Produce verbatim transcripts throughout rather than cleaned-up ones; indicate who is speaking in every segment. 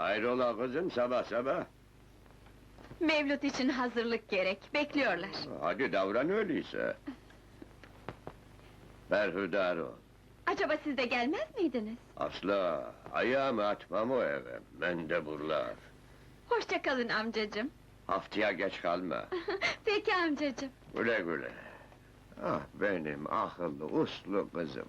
Speaker 1: Hayrola kızım, sabah sabah?
Speaker 2: Mevlüt için hazırlık gerek, bekliyorlar.
Speaker 1: Hadi davran öyleyse. Berhudar ol.
Speaker 2: Acaba siz de gelmez miydiniz?
Speaker 1: Asla, ayağımı atmam o eve, mendeburlar.
Speaker 2: Hoşça kalın amcacığım.
Speaker 1: Haftaya geç kalma.
Speaker 2: Peki amcacığım.
Speaker 1: Güle güle. Ah benim akıllı, uslu kızım.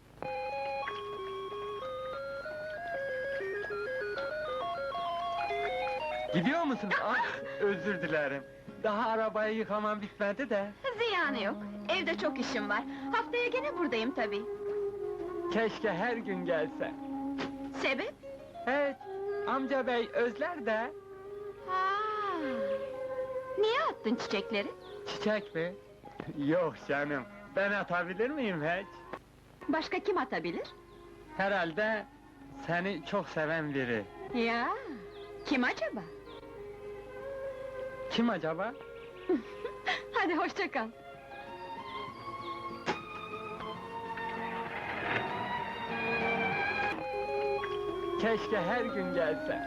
Speaker 3: Gidiyor musun? Ah, özür dilerim. Daha arabayı yıkamam bitmedi de.
Speaker 2: Ziyanı yok, evde çok işim var. Haftaya gene buradayım tabii.
Speaker 3: Keşke her gün gelse.
Speaker 2: Sebep?
Speaker 3: Evet, amca bey özler de.
Speaker 2: Ha. Niye attın çiçekleri?
Speaker 3: Çiçek mi? Yok canım, ben atabilir miyim hiç?
Speaker 2: Başka kim atabilir?
Speaker 3: Herhalde seni çok seven biri.
Speaker 2: Ya, kim acaba?
Speaker 3: Kim acaba?
Speaker 2: Hadi hoşça kal.
Speaker 3: Keşke her gün gelse.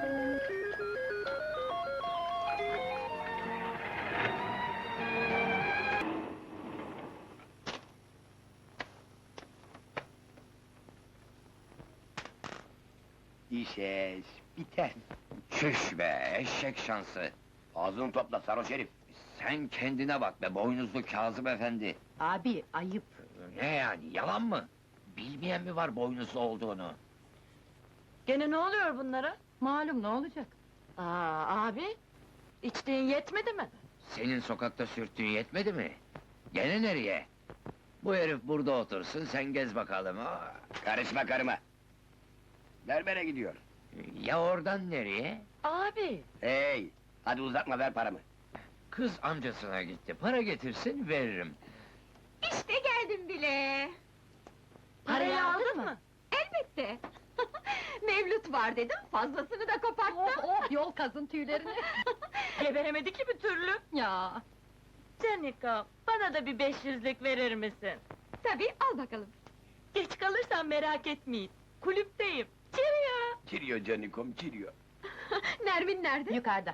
Speaker 4: İş eş, biter.
Speaker 5: Çüş be, eşek şansı!
Speaker 4: Ağzını topla sarhoş herif.
Speaker 5: Sen kendine bak be, boynuzlu Kazım efendi!
Speaker 6: Abi, ayıp!
Speaker 5: Ne yani, yalan mı? Bilmeyen mi var boynuzlu olduğunu?
Speaker 6: Gene ne oluyor bunlara? Malum, ne olacak? Aa, abi! İçtiğin yetmedi mi?
Speaker 5: Senin sokakta sürttüğün yetmedi mi? Gene nereye? Bu herif burada otursun, sen gez bakalım! Aa!
Speaker 4: Karışma karıma! Berbere gidiyor.
Speaker 5: Ya oradan nereye?
Speaker 6: Abi!
Speaker 4: Hey! Hadi uzatma, ver paramı.
Speaker 5: Kız amcasına gitti, para getirsin, veririm.
Speaker 2: İşte geldim bile.
Speaker 6: Parayı aldın mı?
Speaker 2: Elbette. Mevlüt var dedim, fazlasını da koparttım.
Speaker 6: Oh, oh, yol kazın tüylerini! Geberemedi ki bir türlü! Ya! Canika, bana da bir beş yüzlük verir misin?
Speaker 2: Tabii, al bakalım.
Speaker 6: Geç kalırsan merak etmeyin, kulüpteyim! Cheerio!
Speaker 4: Çiriyor canikom, çiriyor.
Speaker 2: Nermin nerede?
Speaker 6: Yukarıda!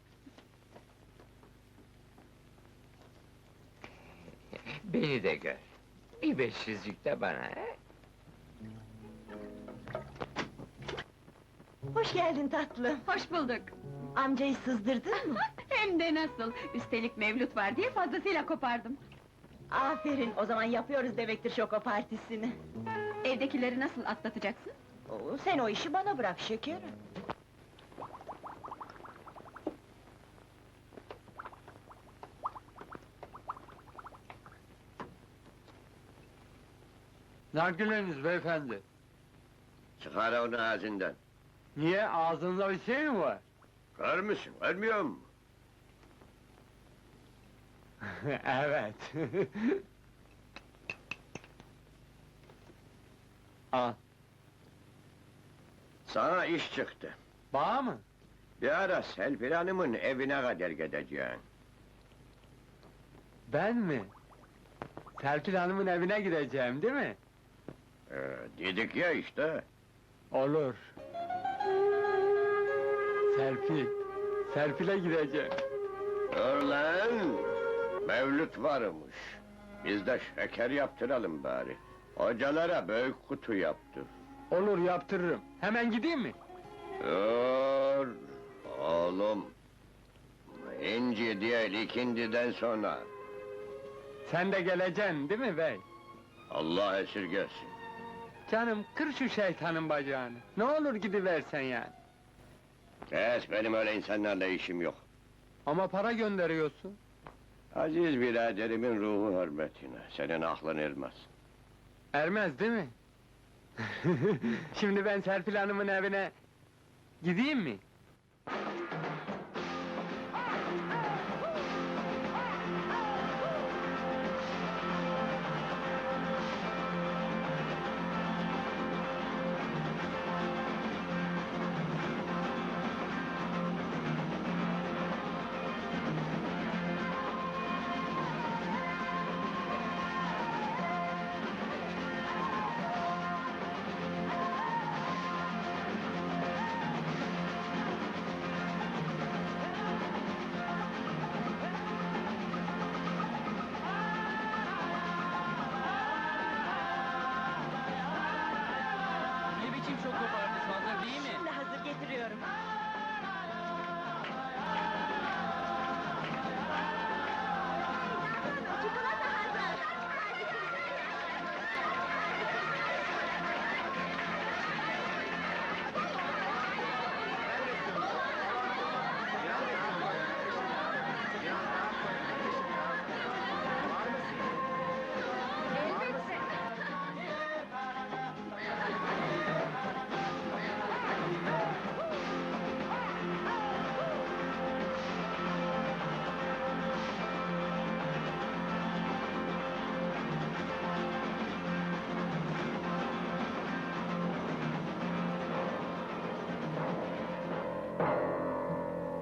Speaker 5: Beni de gör. Bir beş yüzlük de bana, he?
Speaker 6: Hoş geldin tatlım!
Speaker 2: Hoş bulduk.
Speaker 6: Amcayı sızdırdın mı?
Speaker 2: Hem de nasıl? Üstelik Mevlüt var diye fazlasıyla kopardım.
Speaker 6: Aferin, o zaman yapıyoruz demektir şoko partisini!
Speaker 2: Evdekileri nasıl atlatacaksın?
Speaker 6: Oo, sen o işi bana bırak şekerim!
Speaker 3: Nargileniz beyefendi.
Speaker 1: Çıkar onu ağzından.
Speaker 3: Niye, ağzınızda bir şey mi var?
Speaker 1: Kör müsün, görmüyor musun?
Speaker 3: Evet. Al,
Speaker 1: Sana iş çıktı.
Speaker 3: bağ mı?
Speaker 1: Bir ara Selfir Hanım'ın evine kadar gideceksin.
Speaker 3: Ben mi? Serpil Hanım'ın evine gideceğim, değil mi?
Speaker 1: Ee, dedik ya işte.
Speaker 3: Olur. Serpil, Serpil'e gideceğim.
Speaker 1: Dur lan! Mevlüt varmış. Biz de şeker yaptıralım bari. Hocalara büyük kutu yaptır.
Speaker 3: Olur, yaptırırım. Hemen gideyim mi?
Speaker 1: Dur! Oğlum! İnci değil, ikindiden sonra.
Speaker 3: Sen de geleceksin, değil mi bey?
Speaker 1: Allah esirgesin.
Speaker 3: Canım, kır şu şeytanın bacağını. Ne olur gidiversen yani.
Speaker 1: Kes, benim öyle insanlarla işim yok.
Speaker 3: Ama para gönderiyorsun.
Speaker 1: Aziz biraderimin ruhu hürmetine, senin aklın ermez.
Speaker 3: Ermez, değil mi? Şimdi ben Serpil Hanım'ın evine gideyim mi? Aa!